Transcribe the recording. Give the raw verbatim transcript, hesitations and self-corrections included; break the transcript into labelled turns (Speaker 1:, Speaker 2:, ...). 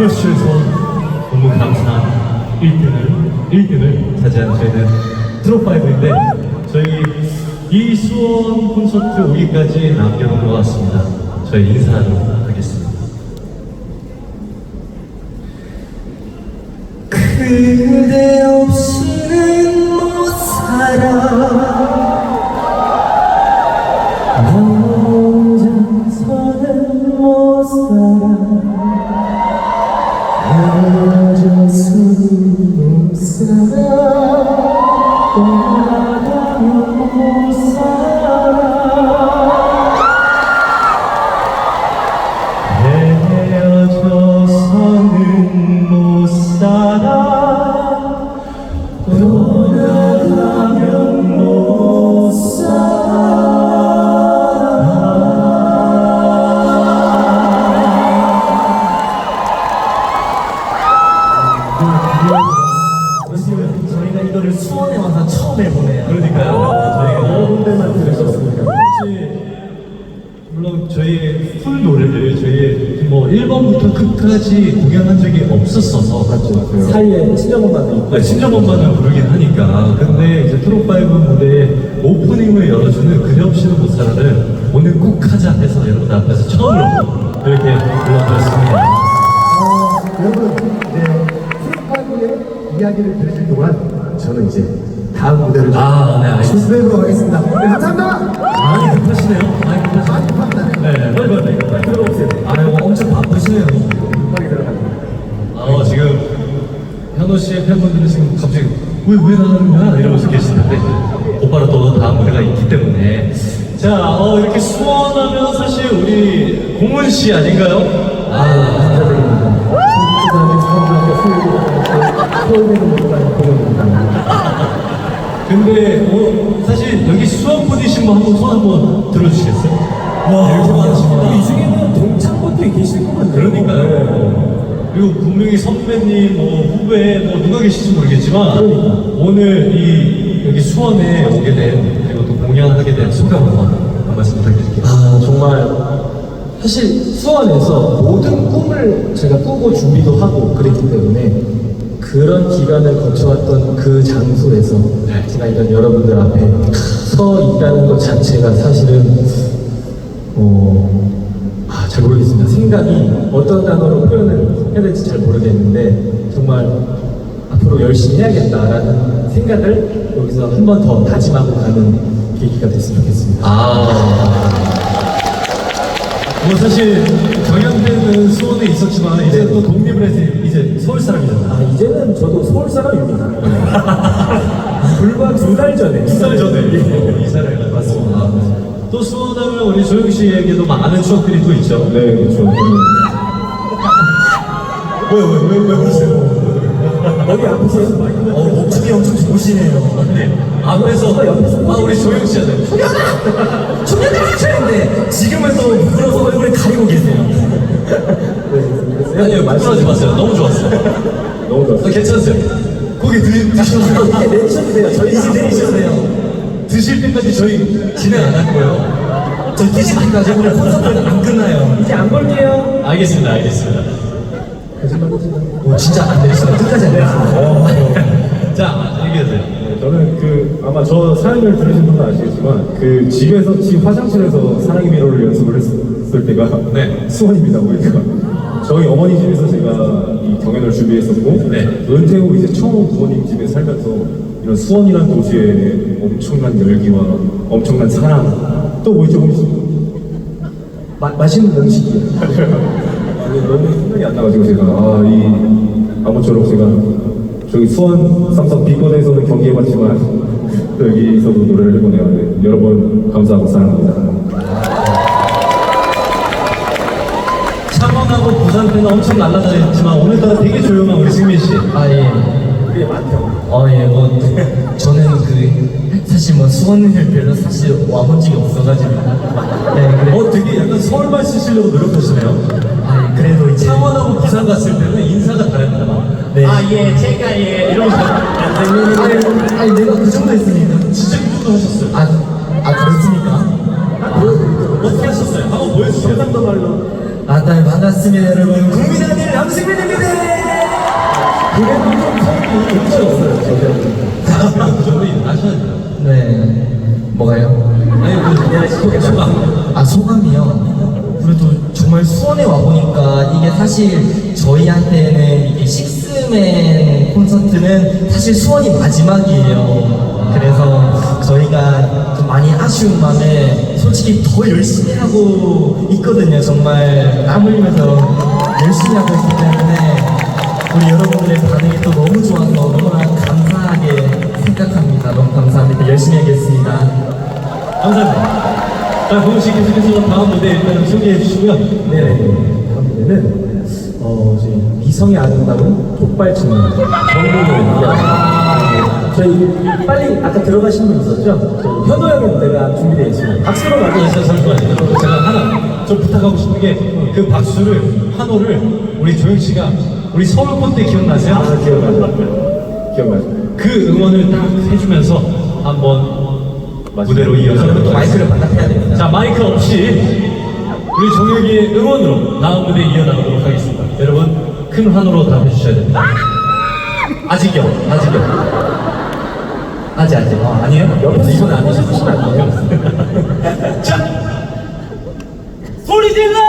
Speaker 1: 홈러시에서 너무 감사한 일 등을 일 등을 차지한 저희는 트롯파이브인데 저희 이 수원 콘서트 오기까지 남겨놓은 것 같습니다. 저희 인사하도록 하겠습니다.
Speaker 2: 그대 없이는 못 살아 나 혼자서는 못 살아 헤어져서는 못 살아 떠나가면 못 살아
Speaker 1: 헤어져서는 못 살아 떠나가면 못 살아.
Speaker 2: 저희가 이거를 수원에 와서 처음 해보네요.
Speaker 1: 그러니까요. 저희가
Speaker 2: 여러 군데만 들으셨습니까?
Speaker 1: 물론 저희의 풀 노래를 저희 뭐 일 번부터 끝까지 공연한 적이 없었어서
Speaker 2: 맞죠. 사이에 친정엄마도 있고.
Speaker 1: 네, 친정엄마는 부르긴 하니까. 근데 이제 트롯파이브 무대에 오프닝을 열어주는 그대 없이는 못 살아를 오늘 꼭 하자 해서 여러분들 앞에서 처음으로 이렇게 불러드렸습니다.
Speaker 3: 어, 여러분, 네, 트롯파이브의 이야기를 들으실 동안 저는 이제 다음 무대를
Speaker 1: 아, 네, 알겠습니다.
Speaker 3: 준비해보도록 하겠습니다. 네, 감사합니다.
Speaker 1: 많이 급하시네요. 많이 급하시네요.
Speaker 3: 많이 급합니다.
Speaker 1: 네, 네, 빨리 빨리 빨리 들어오세요. 아유, 엄청 바쁘시네요.
Speaker 3: 빨리 들어가세요.
Speaker 1: 어, 지금 현호 씨의 팬분들은 지금 갑자기 왜, 왜 나가는 거야? 이러면서 계시는데 곧바로 또 다음 무대가 있기 때문에 자, 어, 이렇게 수원하면 사실 우리 공은 씨 아닌가요? 아,
Speaker 3: 감사드립니다. 그다음에 사람들한테 소외되는 모습을 보여드립니다.
Speaker 1: 근데 어, 사실 여기 수원 분이신 분 한번 손 한번 들어주시겠어요? 와, 이렇게 많으십니다.
Speaker 2: 이 중에는 동창분들이 계실 것 같네요.
Speaker 1: 그러니까요. 그리고 분명히 선배님, 뭐 후배, 뭐 누가 계실지 모르겠지만
Speaker 2: 그러니까.
Speaker 1: 오늘 이 여기 수원에 오게 된 그리고 또 공연하게 된 소감 한번 한 말씀 부탁드릴게요.
Speaker 2: 아 정말 사실 수원에서 모든 꿈을 제가 꾸고 준비도 하고 그랬기 때문에 그런 기간을 거쳐왔던 그 장소에서
Speaker 1: 네.
Speaker 2: 제가 이런 여러분들 앞에 서 있다는 것 자체가 사실은 어, 아, 잘 모르겠습니다. 생각이 어떤 단어로 표현을 해야 될지 잘 모르겠는데 정말 앞으로 열심히 해야겠다라는 생각을 여기서 한 번 더 다짐하고 가는 계기가 됐으면 좋겠습니다.
Speaker 1: 아, 뭐 사실 경연 때는 수원에 있었지만 이제 또 독립을 해서 이제 서울 사람이잖아.
Speaker 2: 아 이제는 저도 서울 사람입니다. 불과 두 달 전에
Speaker 1: 두 달 전에 이사를 가 맞습니다. 또 수원하면 우리 조영 씨에게도 많은 추억들이 또 있죠.
Speaker 3: 네, 그렇죠.
Speaker 1: 왜왜왜 왜 그러세요?
Speaker 2: 어디 아프세요?
Speaker 1: 어, 목춤이 엄청 좋으시네요. 네. 앞에서, 아, 우리 조영 씨한테.
Speaker 2: 초면아! 초면아 하셨는데 지금은 또 부끄러워서 얼굴을 가리고 계세요.
Speaker 1: 아니요, 부끄러워하지 마세요. 너무 좋았어요.
Speaker 3: 너무 좋았어요.
Speaker 1: 어, 괜찮으세요? 고기 드, 드셔도 돼요.
Speaker 2: 이제 내리셔도 돼요. 저희 이제 내리셔도 돼요.
Speaker 1: 드실 때까지 저희 진행 안 할 거예요.
Speaker 2: 저 뛰지 마시고 오늘 콘서트는 안 끝나요. 이제 안 볼게요.
Speaker 1: 알겠습니다, 알겠습니다.
Speaker 2: 오 진짜 안 내리시네. 끝까지 안 내리시네.
Speaker 1: 자, 얘기하세요.
Speaker 4: 저는 그 아마 저 사연을 들으신 분은 아시겠지만 그 집에서 집 화장실에서 사랑의 미로를 연습을 했을 때가
Speaker 1: 네.
Speaker 4: 수원입니다. 거기가 저희 어머니 집에서 제가 이 경연을 준비했었고
Speaker 1: 네.
Speaker 4: 은퇴 후 이제 처음 부모님 집에 살면서 이런 수원이라는 도시의 엄청난 열기와 엄청난 사랑 또 뭐 있죠 혹시?
Speaker 2: 마, 맛있는 음식이에요.
Speaker 4: 아니, 너무 생각이 안 나가지고 제가 아 이 아무쪼록 제가 저기 수원 삼성 비건에서는 경기해봤지만 또 여기서도 노래를 해보네요. 네, 여러분 감사하고 사랑합니다.
Speaker 1: 창원하고 부산 때는 엄청 날아다녔지만 오늘따라 되게 조용한 우리 승민 씨.
Speaker 2: 아 예.
Speaker 4: 그게 많죠.
Speaker 2: 어, 예, 뭐, 저는 그, 사실 뭐, 수원을 별로 사실 와본 적이 없어가지고. 네, 그래.
Speaker 1: 어, 되게 약간 서울말 쓰시려고 노력하시네요.
Speaker 2: 아, 그래도 이제.
Speaker 1: 창원하고 부산 갔을 때는 인사가 다릅니다. 막.
Speaker 2: 네.
Speaker 1: 아, 예, 제가 예. 이러면서.
Speaker 2: 아니, 아니, 내가 그 정도 했으니까.
Speaker 1: 진짜 그 정도 하셨어요.
Speaker 2: 아, 아, 그렇습니까?
Speaker 1: 어떻게 하셨어요? 한번 보여주세요.
Speaker 4: 상도 말로
Speaker 2: 아, 날 만났으면 여러분, 국민아들 양승민입니다!
Speaker 5: 네. 뭐가요?
Speaker 1: 아니 그 소감.
Speaker 5: 아, 소감이요? 그래도 정말 수원에 와보니까 이게 사실 저희한테는 이게 식스맨 콘서트는 사실 수원이 마지막이에요. 그래서 저희가 좀 많이 아쉬운 마음에 솔직히 더 열심히 하고 있거든요. 정말 땀 흘리면서 열심히 하고 있기 때문에 우리 여러분들의 반응이 또 너무 좋아서 너무나 감사하게 생각합니다. 너무 감사합니다. 열심히 하겠습니다.
Speaker 1: 감사합니다. 자, 고은 씨 계속해서 다음 무대 일단 소개해 주시고요.
Speaker 2: 네, 다음 무대는 어, 저희 미성의 아름다운 족발충 정국의 저희 빨리 아까 들어가신 분 있었죠? 저희 현호 형의 무대가 준비되어 있습니다. 박수로
Speaker 1: 아,
Speaker 2: 맞이해주세요.
Speaker 1: 저 잠시만요. 제가 하나 좀 부탁하고 싶은 게 그 박수를 한호를 우리 조영 씨가 우리 서울 콘때 기억나세요?
Speaker 4: 아, 기억나죠. 기억나죠.
Speaker 1: 그 응원을 딱 해주면서 한번 무대로 이어서
Speaker 5: 그리고 또 마이크를 반납해야 됩니다.
Speaker 1: 자, 마이크 없이 우리 종혁이의 응원으로 다음 무대 이어나가도록 하겠습니다. 여러분 큰 환호로 답해 주셔야 됩니다. 아직요, 아직요. 아직 아직. 아, 아니에요?
Speaker 2: 옆에서
Speaker 1: 이건
Speaker 2: 이건
Speaker 1: 아니죠.
Speaker 2: 아니시면 안 돼요.
Speaker 1: 자, 소리 질러!